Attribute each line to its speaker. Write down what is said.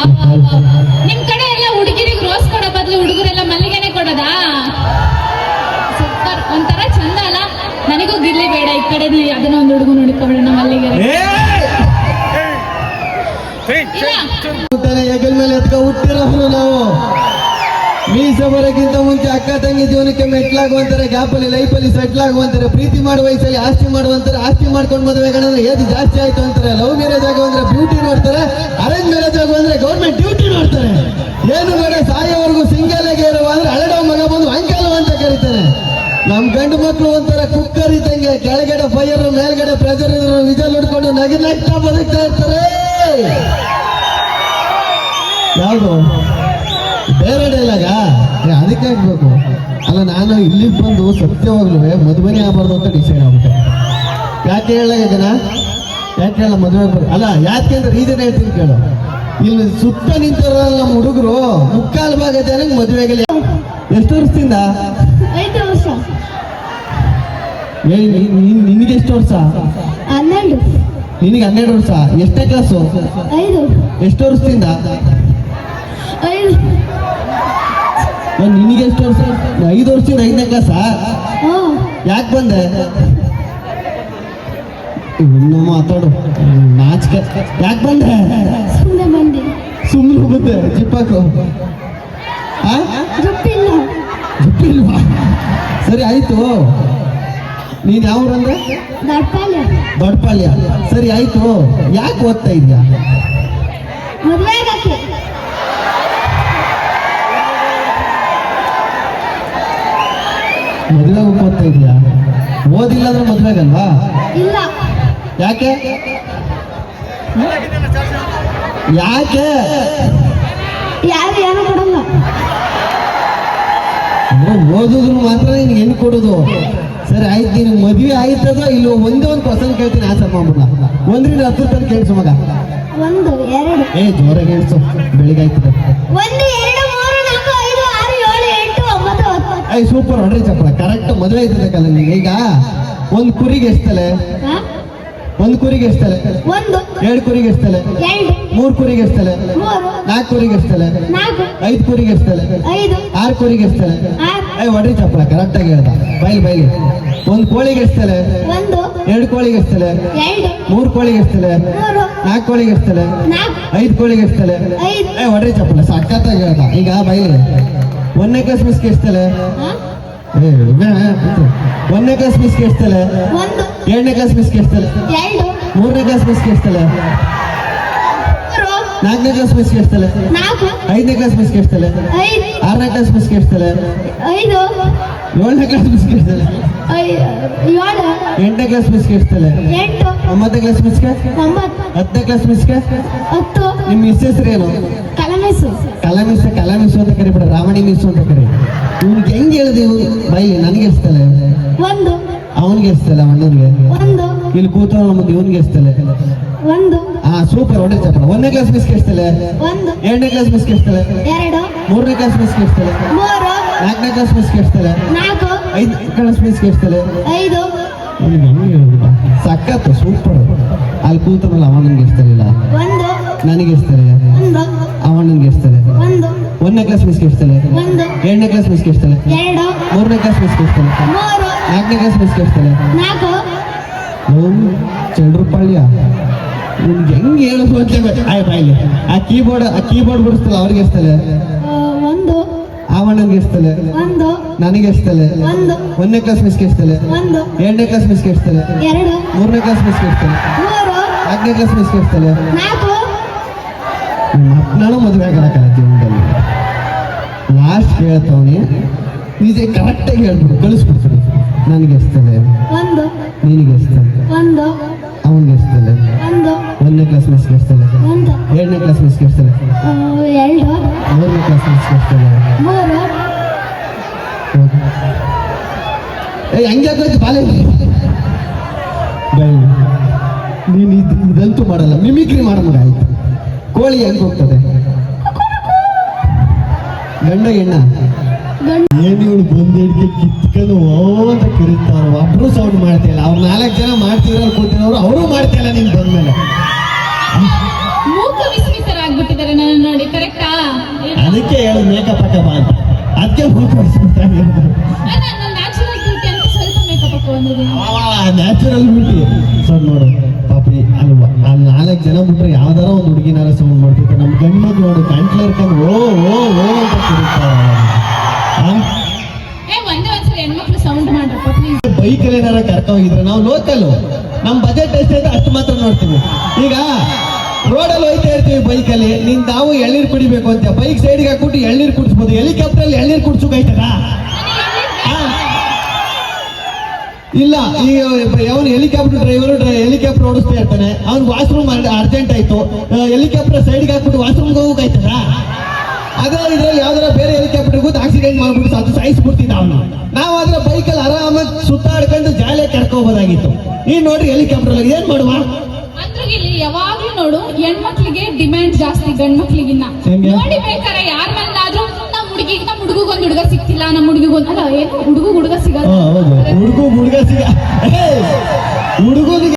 Speaker 1: ನಿಮ್ ಕಡೆ ಎಲ್ಲ ಹುಡುಗಿರಿಗೆ ರೋಸ್ ಕೊಡೋ ಬದಲು ಹುಡುಗರೆಲ್ಲ ಮಲ್ಲಿಗೆನೆ ಕೊಡೋದಾ? ಸೂಪರ್, ಒಂಥರ ಚಂದ ಅಲ್ಲ? ನನಗೂ ಗಿರ್ಲಿ ಬೇಡ, ಈ ಕಡೆ ಅದನ್ನ ಒಂದು ಹುಡುಗ ನೋಡಿಕೊಳ್ಳೋಣ ಮಲ್ಲಿಗೆ.
Speaker 2: ಹೆಗಲ್ ಮೇಲೆ ಎತ್ಕ ಹುಟ್ಟಿರೋರು ನಾವು. ಮೀಸೆ ಬರೋಕ್ಕಿಂತ ಮುಂಚೆ ಅಕ್ಕ ತಂಗಿ ಜೀವನಕ್ಕೆ ಮೆಟ್ಲಾಗುವಂತಾರೆ, ಗ್ಯಾಪಲ್ಲಿ ಲೈಫಲ್ಲಿ ಸೆಟ್ಲ್ ಆಗುವಂತಾರೆ, ಪ್ರೀತಿ ಮಾಡುವ ವಯಸ್ಸಲ್ಲಿ ಆಸ್ತಿ ಮಾಡುವಂತಾರೆ, ಆಸ್ತಿ ಮಾಡ್ಕೊಂಡು ಮದುವೆಗಳಂದ್ರೆ ಏಜ್ ಜಾಸ್ತಿ ಆಯ್ತು ಅಂತಾರೆ, ಲವ್ ಮ್ಯಾರೇಜ್ ಆಗೋ ಅಂದ್ರೆ ಬ್ಯೂಟಿ ನೋಡ್ತಾರೆ, ಅರೇಂಜ್ ಮ್ಯಾರೇಜ್ ಆಗೋ ಅಂದ್ರೆ ಗೌರ್ಮೆಂಟ್ ಡ್ಯೂಟಿ ನೋಡ್ತಾರೆ. ಏನು ಬೇಡ ಸಾಯೋವರೆಗೂ ಸಿಂಗಲ್ ಆಗಿ ಇರುವ ಅಂದ್ರೆ ಹಳೆಡೋ ಮಗ ಬಂದು ಅಂಕಲು ಅಂತ ಕರೀತಾನೆ. ನಮ್ ಗಂಡು ಮಕ್ಕಳು ಒಂಥರ ಕುಕ್ಕರ್ ಇದ್ದಂಗೆ, ಕೆಳಗಡೆ ಫೈರ್ ಮೇಲ್ಗಡೆ ಪ್ರೆಷರ್ ಇದ್ರು ವಿಜಲ್ ಹಿಡ್ಕೊಂಡು ನಗ್ತಾ ಬದುಕ್ತಾ ಇರ್ತಾರೆ. ಯಾವುದು ಬೇರೆ ಡೈಲಾಗ ಅದಕ್ಕೆ ಆಗ್ಬೇಕು ಅಲ್ಲ. ನಾನು ಇಲ್ಲಿಗೆ ಬಂದು ಸತ್ಯವಾಗ್ಲೂ ಮದುವೆನೇ ಆಗಬಾರ್ದು ಅಂತ ಡಿಸೈಡ್ ಆಗ್ಬಿಟ್ಟೆ. ಯಾಕೆ ಹೇಳ ಇದನ್ನ, ಯಾಕೆ ಹೇಳ ಮದುವೆ ಅಲ್ಲ, ಯಾಕೆ ಅಂದ್ರೆ ರೀಸನ್ ಹೇಳ್ತೀನಿ ಕೇಳು. ಇಲ್ಲಿ ಸುತ್ತ ನಿಂತಿರೋಲ್ಲ ನಮ್ಮ ಹುಡುಗರು, ಮುಕ್ಕಾಲು ಭಾಗ ಜನಕ್ಕೆ ಮದುವೆಗೆ ಎಷ್ಟು ವರ್ಷದಿಂದ?
Speaker 1: 5 ವರ್ಷ.
Speaker 2: ನಿನಗೆ ಎಷ್ಟು ವರ್ಷ?
Speaker 1: 12.
Speaker 2: ನಿನಗೆ 12 ವರ್ಷ. ಎಷ್ಟೇ ಕ್ಲಾಸು?
Speaker 1: 5.
Speaker 2: ಎಷ್ಟು ವರ್ಷದಿಂದ?
Speaker 1: 5.
Speaker 2: ನಿನಗೆ ಎಷ್ಟು ವರ್ಷ? 5 ವರ್ಷದಿಂದ 5ನೇ ಕ್ಲಾಸಾ? ಯಾಕೆ ಬಂದೆ? ಇನ್ನು ಮಾತಾಡು, ನಾಚಿಕೆ. ಯಾಕೆ ಬಂದೆ?
Speaker 1: ಸುಮ್ಮನೆ ಬಂದೆ.
Speaker 2: ಸುಮ್ಮನೆ ಬಂದೆ? ಜಿಪ್ಪಾಕು ಜಿಪ್ಪಿಲ್ವಾ? ಸರಿ ಆಯ್ತು. ನೀನ್ ಯಾವ್ರಂದ್ರೆ? ದೊಡ್ಡಪಾಳ್ಯ. ಸರಿ ಆಯ್ತು. ಯಾಕೆ ಓದ್ತಾ ಇದ್ಯಾ?
Speaker 1: ಮದುವೆ
Speaker 2: ಓದ್ತಾ ಇದ್ಯಾ? ಓದಿಲ್ಲ ಅಂದ್ರೆ ಮದ್ವೆಗಲ್ವಾ?
Speaker 1: ಇಲ್ಲ.
Speaker 2: ಯಾಕೆ? ಯಾಕೆ?
Speaker 1: ಯಾರು ಏನೋ ಕೊಡಲ್ಲ.
Speaker 2: ಓದುದ್ರು ಮಾತ್ರ ನಿನ್ಗೆ ಹೆಣ್ಣು ಕೊಡೋದು. ಸರಿ ಆಯ್ತು, ನಿನಗೆ ಮದುವೆ ಆಯ್ತದೋ ಇಲ್ಲೋ? ಒಂದೇ ಒಂದು ಕ್ವಶನ್ ಕೇಳ್ತೀನಿ, ಆನ್ಸರ್ ಮಾಡ್ಬಿಡ. 1ರಿಂದ 10 ತನಕ ಕೇಳಿಸು ಮಗ.
Speaker 1: 1, 2.
Speaker 2: ಜೋರಾಗಿ ಹೇಳ್ಸು, ಬೆಳಿಗ್ಗೆ ಆಯ್ತದೆ.
Speaker 1: 1, 2, 3, 4, 5, 6, 7, 8, 9, 10.
Speaker 2: ಸೂಪರ್, ಹೊಡ್ರಿ ಚಪ್ಪಳ. ಕರೆಕ್ಟ್ ಮದುವೆ ಆಯ್ತದಕ್ಕಲ್ಲ ನಿಂಗೆ. ಈಗ ಒಂದು ಕುರಿಗೆ ಎಷ್ಟಲೆ? 1 ಕುರಿಗೆ ಎಷ್ಟಲೆ?
Speaker 1: 1.
Speaker 2: 2 ಕುರಿಗೆ ಎಷ್ಟಲೆ?
Speaker 1: 2.
Speaker 2: 3 ಕುರಿಗೆ ಎಷ್ಟಲೆ?
Speaker 1: 3.
Speaker 2: 4 ಕುರಿಗೆ ಎಷ್ಟಲೆ?
Speaker 1: 4.
Speaker 2: 5 ಕುರಿಗೆ ಎಷ್ಟಲೆ?
Speaker 1: 5.
Speaker 2: 6 ಕುರಿಗೆ ಎಷ್ಟಲೆ?
Speaker 1: 6.
Speaker 2: ಹೊಡ್ರಿ ಚಪ್ಪಳ. ಕರೆಕ್ಟ್ ಆಗಿ ಹೇಳ್ದ. ಬೈಲಿ 1 ಕೋಳಿಗೆ ಎಷ್ಟಲೆ?
Speaker 1: 1.
Speaker 2: 2 ಕೋಳಿಗೆ ಎಷ್ಟಲೆ?
Speaker 1: 2.
Speaker 2: 3 ಕೋಳಿಗೆ ಎಷ್ಟಲೆ?
Speaker 1: 3.
Speaker 2: 4 ಕೋಳಿಗೆ ಎಷ್ಟಲೆ?
Speaker 1: 4.
Speaker 2: 5 ಕೋಳಿಗೆ ಎಷ್ಟಲೆ?
Speaker 1: 5.
Speaker 2: ಹೊಡ್ರಿ ಚಪ್ಪಲ. ಸಖತ್ತಾಗಿ ಹೇಳ್ದ. ಈಗ ಬೈಲಿ 1ನೇ ಕ್ಲಾಸ್ ಮಿಸ್ಗೆ ಎಷ್ಟಲೆ? 1ನೇ ಕ್ಲಾಸ್ ಮಿಸ್ಗೆ ಎಷ್ಟಲೆ?
Speaker 1: 1.
Speaker 2: 2ನೇ ಕ್ಲಾಸ್ ಮಿಸ್ಗೆ ಎಷ್ಟಲೆ?
Speaker 1: 2.
Speaker 2: 3ನೇ ಕ್ಲಾಸ್ ಮಿಸ್ಗೆ ಎಷ್ಟಲೆ? 4ನೇ ಕ್ಲಾಸ್ ಮಿಸ್ಗೆ ಎಷ್ಟಲೆ?
Speaker 1: 4.
Speaker 2: 5ನೇ ಕ್ಲಾಸ್ ಮಿಸ್ಗೆ ಎಷ್ಟಲೆ?
Speaker 1: 5.
Speaker 2: 6ನೇ ಕ್ಲಾಸ್ ಮಿಸ್ಗೆ ಎಷ್ಟಲೆ?
Speaker 1: 5.
Speaker 2: 7ನೇ ಕ್ಲಾಸ್ ಮಿಸ್ಗೆ ಎಷ್ಟಲೆ?
Speaker 1: 7.
Speaker 2: 8ನೇ ಕ್ಲಾಸ್ ಮಿಸ್ಗೆ ಎಷ್ಟಲೆ?
Speaker 1: 8.
Speaker 2: 9ನೇ ಕ್ಲಾಸ್ ಮಿಸ್ಗೆ?
Speaker 1: 9.
Speaker 2: 10ನೇ ಕ್ಲಾಸ್ ಮಿಸ್ಗೆ?
Speaker 1: 10.
Speaker 2: ನಿಮ್ಮ ಮಿಸ್ ಹೆಸರೇನು?
Speaker 1: ಕಲಮೆಸು.
Speaker 2: ಕಲಮಿಸು ಅಂತ ಕರಿಬೇಡ, ರಾಮಣಿ ಮಿಸ್ ಅಂತ ಕರಿ. ಇವ್ನಿಗೆ ಹೆಂಗ್ ಹೇಳಿದೆ? ಬೈ ನನಗೆ ಎಷ್ಟಲೆ?
Speaker 1: 1.
Speaker 2: ಅವನಿಗೆ ಎಷ್ಟಲೆ? ಅಣ್ಣನಿಗೆ?
Speaker 1: 1.
Speaker 2: ಇಲ್ಲಿ ಕೂತವನ ಮುಂದೆ ಇವನಿಗೆ ಎಷ್ಟಲೆ?
Speaker 1: 1.
Speaker 2: ಸೂಪರ್, ಹೊಡೆ ಚಪ್ಪಳ. 1ನೇ ಕ್ಲಾಸ್ ಮಿಸ್ಗೆ ಎಷ್ಟಲೆ?
Speaker 1: 1.
Speaker 2: 2ನೇ ಕ್ಲಾಸ್ ಮಿಸ್ಗೆ ಎಷ್ಟಲೆ?
Speaker 1: 2.
Speaker 2: 3ನೇ ಕ್ಲಾಸ್ ಮಿಸ್ಗೆ ಎಷ್ಟಲೆ?
Speaker 1: 3.
Speaker 2: 4ನೇ ಕ್ಲಾಸ್ ಮಿಸ್ಗೆ ಎಷ್ಟಲೆ?
Speaker 1: 4.
Speaker 2: 5ನೇ ಕ್ಲಾಸ್ ಮಿಸ್ಗೆ ಎಷ್ಟಲೆ?
Speaker 1: 5.
Speaker 2: ಸಖತ್ತು, ಸೂಪರ್. ಅಲ್ಲಿ ಕೂತನಲ್ಲ ಅವನಿಗೆ ಎಷ್ಟಲಿಲ್ಲ?
Speaker 1: 1.
Speaker 2: ನನಗೆ ಎಷ್ಟಲೆ?
Speaker 1: 1.
Speaker 2: ಅವನಿಗೆ ಎಷ್ಟಲೆ?
Speaker 1: 1.
Speaker 2: 1ನೇ ಕ್ಲಾಸ್ ಮಿಸ್ಗೆ ಎಷ್ಟಲೆ?
Speaker 1: 1.
Speaker 2: 2ನೇ ಕ್ಲಾಸ್ ಮಿಸ್ಗೆ ಎಷ್ಟಲೆ?
Speaker 1: 2.
Speaker 2: 3ನೇ ಕ್ಲಾಸ್ ಮಿಸ್ಗೆ ಎಷ್ಟಲೆ?
Speaker 1: 3.
Speaker 2: 4ನೇ ಕ್ಲಾಸ್ ಮಿಸ್ಗೆ ಎಷ್ಟಲೆ?
Speaker 1: 4.
Speaker 2: ಚಂಡ್ರಪಾಳ್ಯ. ನಿಮ್ಗೆ ಹೆಂಗ್ ಹೇಳೋದು ಅಂತ ಬಾಯ್ಲಿ. ಆ ಕೀಬೋರ್ಡ್ ಬಿಡಿಸ್ತಲ್ಲ ಅವ್ರಿಗೆ ಎಷ್ಟಲೆ?
Speaker 1: 1.
Speaker 2: ಅವನಿಗೆ ಎಷ್ಟಲೆ?
Speaker 1: 1.
Speaker 2: ನನಗೆ ಎಷ್ಟಲೆ?
Speaker 1: 1.
Speaker 2: 1ನೇ ಕ್ಲಾಸ್ ಮಿಸ್ಗೆ ಎಷ್ಟಲೆ?
Speaker 1: 1.
Speaker 2: 2ನೇ ಕ್ಲಾಸ್ ಮಿಸ್ಗೆ ಎಷ್ಟಲೆ?
Speaker 1: 2.
Speaker 2: 3ನೇ ಕ್ಲಾಸ್ ಮಿಸ್ಗೆ ಎಷ್ಟಲೆ?
Speaker 1: 3.
Speaker 2: 4ನೇ ಕ್ಲಾಸ್ ಮಿಸ್ಗೆ ಎಷ್ಟಲೆ?
Speaker 1: 4.
Speaker 2: ನಾನು ಮದುವೆ ಆಗಲ್ಲ ಜೀವನದಲ್ಲಿ. ಲಾಸ್ಟ್ ಹೇಳ್ತವನಿ, ನಿಜ ಕರೆಕ್ಟಾಗಿ ಹೇಳ್ಬಿಡು, ಕಳಿಸ್ಬಿಡ್ತೀನಿ. ನನಗೆ ಎಷ್ಟಲೆ?
Speaker 1: 1.
Speaker 2: ನಿನಗೆ ಎಷ್ಟಲೆ?
Speaker 1: 1.
Speaker 2: ಅವನಿಗೆ ಎಷ್ಟಲೆ?
Speaker 1: 1.
Speaker 2: 1ನೇ ಕ್ಲಾಸ್ ಮಿಸ್ಗೆ ಎಷ್ಟಲೆ?
Speaker 1: 1.
Speaker 2: 2ನೇ ಕ್ಲಾಸ್ ಮಿಸ್ಗೆ ಎಷ್ಟಲೆ?
Speaker 1: 2.
Speaker 2: 3ನೇ ಕ್ಲಾಸ್ ಮಿಸ್ಗೆ ಎಷ್ಟಲೆ?
Speaker 1: 3.
Speaker 2: ಹಂಗೆ ಬಾಲೆ ಬೈ. ನೀನು ಇದಂತೂ ಮಾಡಲ್ಲ, ಮಿಮಿಕ್ರಿ ಮಾಡೋ ಮಗ. ಆಯ್ತು, ಕೋಳಿ ಹೆಂಗೆ ಹೋಗ್ತದೆ? ಗಂಡ ಹೆಣ್ಣ? ಏನು ಇವಳು ಬಂದಿಡ್ಗೆ ಕಿತ್ಕೊಂಡು ಅಂತ ಕರೀತಾರ. ಒಬ್ರು ಸೌಂಡ್ ಮಾಡ್ತಿಲ್ಲ. ಅವ್ರು 4 ಜನ ಮಾಡ್ತಿರೋ ಕೂತಿರೋರು ಅವರು ಮಾಡ್ತಿಲ್ಲ. ನೀನು ಬಂದ್ಮೇಲೆ
Speaker 1: ಮೂಕ ವಿಸ್ಮಿತರಾಗ್ಬಿಟ್ಟಿದ್ದಾರೆ ನನ್ನ ನೋಡಿ.
Speaker 2: ಮೇಕಪ್ ಹಾಕ ಬಾ ಅಂತ ಅದಕ್ಕೆ ಫೋಟೋ ಹೊಡಿಸ್ಬಿಡ್ತಾರೆ
Speaker 1: ನನ್ನ ನ್ಯಾಚುರಲ್ ಬ್ಯೂಟಿ ಅಂತ ಸ್ವಲ್ಪ ಮೇಕಪ್ ಹಾಕೋ ಬಂದಿದ್ದೀನಿ.
Speaker 2: Natural beauty. ಸೊ ನೋಡು ಪಾಪಿ ಅಲ್ವಾ ಅಲ್ಲಿ 4 ಜನ ಬಿಟ್ರೆ ಯಾವ್ದಾರ ಒಂದು ಹುಡುಗಿನಾರ ಸೌಂಡ್ ಮಾಡ್ತಿತ್ತು. ನಮ್ಮ ಗಂಡು ನೋಡು ಗಂಟ್ಲು ಹಿಡ್ಕೊಂಡು ಓ ಓ ಓ ಅಂತ ಕುಡಿತಾರೆ.
Speaker 1: ಒಂದೇ ಒಂದ್ಸರಿ ಹೆಣ್ಮಕ್ಳು ಸೌಂಡ್ ಮಾಡ್ರಪ್ಪ ಪ್ಲೀಸ್.
Speaker 2: ಬೈಕಲ್ಲಿ ಏನಾರ ಕರ್ಕೊ ಹೋಗಿದ್ರೆ ನಾವು ಲೋಕಲ್ ನಮ್ಮ ಬಜೆಟ್ ಎಷ್ಟೈತೆ ಅಷ್ಟು ಮಾತ್ರ ನೋಡ್ತೀವಿ. ಈಗ ರೋಡಲ್ಲಿ ಹೋಯ್ತಾ ಇರ್ತೀವಿ ಬೈಕಲ್ಲಿ, ನಾವು ಎಳ್ನೀರು ಕುಡಿಬೇಕು ಅಂತ ಬೈಕ್ ಸೈಡ್ಗೆ ಹಾಕ್ಬಿಟ್ಟು ಎಳ್ನೀರು ಕುಡಿಸ್ಬೋದು. ಹೆಲಿಕಾಪ್ಟರ್ ಅಲ್ಲಿ ಎಳ್ನೀರು ಕುಡಿಸೋಕಾಯ್ತದ? ಇಲ್ಲ. ಈಗ ಅವನು ಹೆಲಿಕಾಪ್ಟರ್ ಹೆಲಿಕಾಪ್ಟರ್ ಓಡಿಸ್ತಾ ಇರ್ತಾನೆ, ಅವ್ನು ವಾಶ್ರೂಮ್ ಅರ್ಜೆಂಟ್ ಆಯ್ತು, ಹೆಲಿಕಾಪ್ಟರ್ ಸೈಡ್ಗೆ ಹಾಕ್ಬಿಟ್ಟು ವಾಶ್ರೂಮ್ಗೆ ಹೋಗೋಕಾಯ್ತದ? ಅದೇ ಇದ್ರಲ್ಲಿ ಯಾವ್ದಾರ ಬೇರೆ ಹೆಲಿಕಾಪ್ಟರ್ ಕೂತು ಆಕ್ಸಿಡೆಂಟ್ ಮಾಡ್ಬಿಟ್ಟು ಅದು ಸಾಯಿಸ್ಬಿಡ್ತಿದ್ದ ಅವನು. ನಾವಾದ್ರೆ ಬೈಕಲ್ಲಿ ಆರಾಮಾಗಿ ಸುತ್ತಾಡ್ಕೊಂಡು ಜಾಲಿಯಾಗಿ ಕರ್ಕೋಬೋದಾಗಿತ್ತು. ನೀನ್ ನೋಡ್ರಿ ಹೆಲಿಕಾಪ್ಟರ್ ಏನ್ ಮಾಡುವ?
Speaker 1: ಅಂದ್ರೆ ಇಲ್ಲಿ ಯಾವಾಗ್ಲೂ ನೋಡು ಹೆಣ್ಮಕ್ಳಿಗೆ ಡಿಮ್ಯಾಂಡ್ ಜಾಸ್ತಿ ಗಂಡ್ ಮಕ್ಳಿಗಿನ್ನ.
Speaker 2: ಹೆಂಗೆ?
Speaker 1: ನೋಡಿ ಬೇಕಾರೆ ಯಾರ ಮೇಲಾದ್ರೂ ನಮ್ಮ ಹುಡುಗಿಗೊಂದು ಹುಡುಗ ಸಿಕ್ತಿಲ್ಲ, ನಮ್ಮ ಹುಡುಗಿಗೊಂದು ಅಲ್ಲ ಏನು ಹುಡುಗ ಸಿಗಲ್ಲ.
Speaker 2: ಹುಡುಗ ಸಿಗ ಹುಡುಗನಿಗೆ